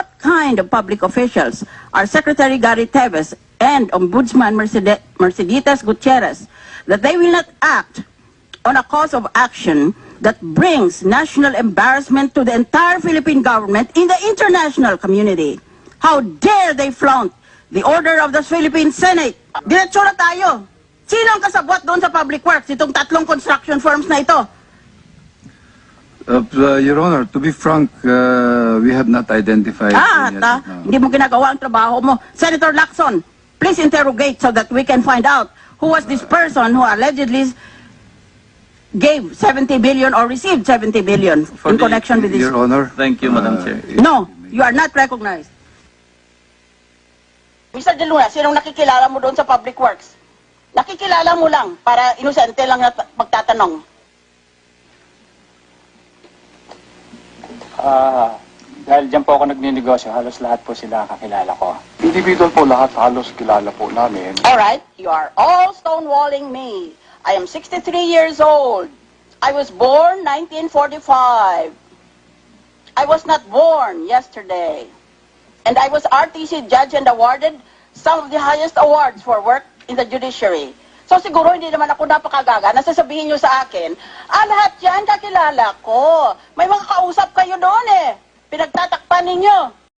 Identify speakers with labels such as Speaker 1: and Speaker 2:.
Speaker 1: kind of public officials are Secretary Gary Teves and Ombudsman Mercedes Gutierrez that they will not act on a cause of action that brings national embarrassment to the entire Philippine government in the international community. How dare they flaunt the order of the Philippine Senate? Diretso na tayo. Sino ang kasabwat doon sa Public Works, itong tatlong construction firms na ito?
Speaker 2: Your Honor, to be frank, we have not identified any as of now.
Speaker 1: Hindi mo ginagawa ang trabaho mo. Senator Lacson, please interrogate so that we can find out who was this person who allegedly gave 70 billion or received 70 billion in connection with this.
Speaker 2: Your Honor.
Speaker 3: Thank you, Madam Chair.
Speaker 1: No, you are not recognized. Mr. De Luna, sinong nakikilala mo doon sa Public Works? Nakikilala mo lang para inosente lang na magtatanong.
Speaker 4: Dahil dyan po ako nagninegosyo, halos lahat po sila kakilala ko.
Speaker 5: Individual po lahat, halos kilala po namin.
Speaker 1: Alright, you are all stonewalling me. I am 63 years old. I was born 1945. I was not born yesterday. And I was RTC judge and awarded some of the highest awards for work in the judiciary. So siguro hindi naman ako napakagaga na sasabihin nyo sa akin, lahat yan kakilala ko. May mga kausap kayo doon eh. Pinagtatakpan ninyo.